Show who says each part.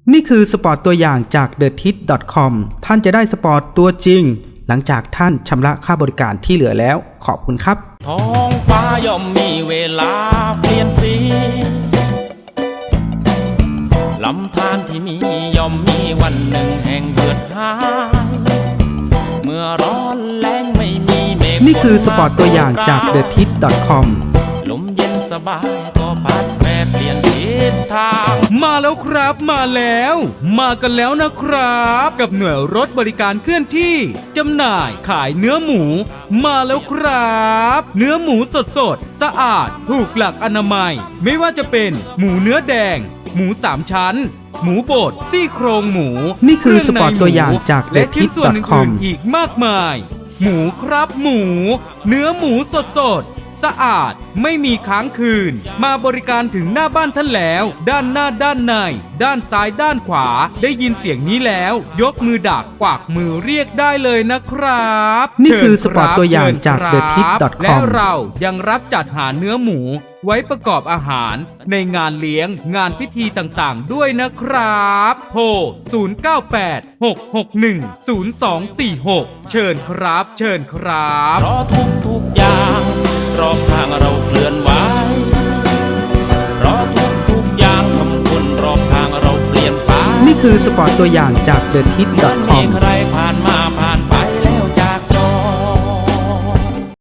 Speaker 1: นี่คือสปอร์ตตัวอย่างจาก TheTit.com ท่านจะได้สปอร์ตตัวจริงหลังจากท่านชำระค่าบริการที่เหลือแล้วขอบคุณครับ
Speaker 2: ท้องฟ้าย่อมมีเวลาเปลี่ยนสีลำธารที่มีย่อมมีวันหนึ่งแห่งเหือดหายเมื่อร้อนแล้งไม่มีเมฆ
Speaker 1: นี่คือสปอร์ตตัวอย่างจาก TheTit.com
Speaker 2: ลมเย็นสบายก็พัดแปรเปลี่ยนทิศทาง
Speaker 3: มาแล้วครับมากันแล้วนะครับกับหน่วยรถบริการเคลื่อนที่จำหน่ายขายเนื้อหมูมาแล้วครับเนื้อหมูสดสะอาดถูกหลักอนามัยไม่ว่าจะเป็นหมูเนื้อแดงหมู3ชั้นหมูบดซี่โครงหมู
Speaker 1: นี่คือสปอร์ตตัวอย่างจาก
Speaker 3: และชิ้นส่วนอื่
Speaker 1: TheTit.com
Speaker 3: นๆอีกมากมายหมูครับหมูเนื้อหมูสดสะอาดไม่มีค้างคืนมาบริการถึงหน้าบ้านท่านแล้วด้านหน้าด้านในด้านซ้ายด้านขวาได้ยินเสียงนี้แล้วยกมือดักกวักมือเรียกได้เลยนะครับ
Speaker 1: นี่คือสปอร์ตตัวอย่างจาก
Speaker 3: เชิญครับ
Speaker 1: TheTit.com
Speaker 3: และเรายังรับจัดหาเนื้อหมูไว้ประกอบอาหารในงานเลี้ยงงานพิธีต่างๆด้วยนะครับโทร0986610246เชิญครับเชิญครับ
Speaker 2: เพราะทุกอย่างรอบข้างเราเคลื่อนไหวเพราะทุกอย่างทำคนรอบข้างเราเปลี่ยนไป
Speaker 1: นี่คือสปอร์ตตัวอย่างจาก
Speaker 2: มี
Speaker 1: TheTit.com
Speaker 2: ใครผ่านมาผ่าน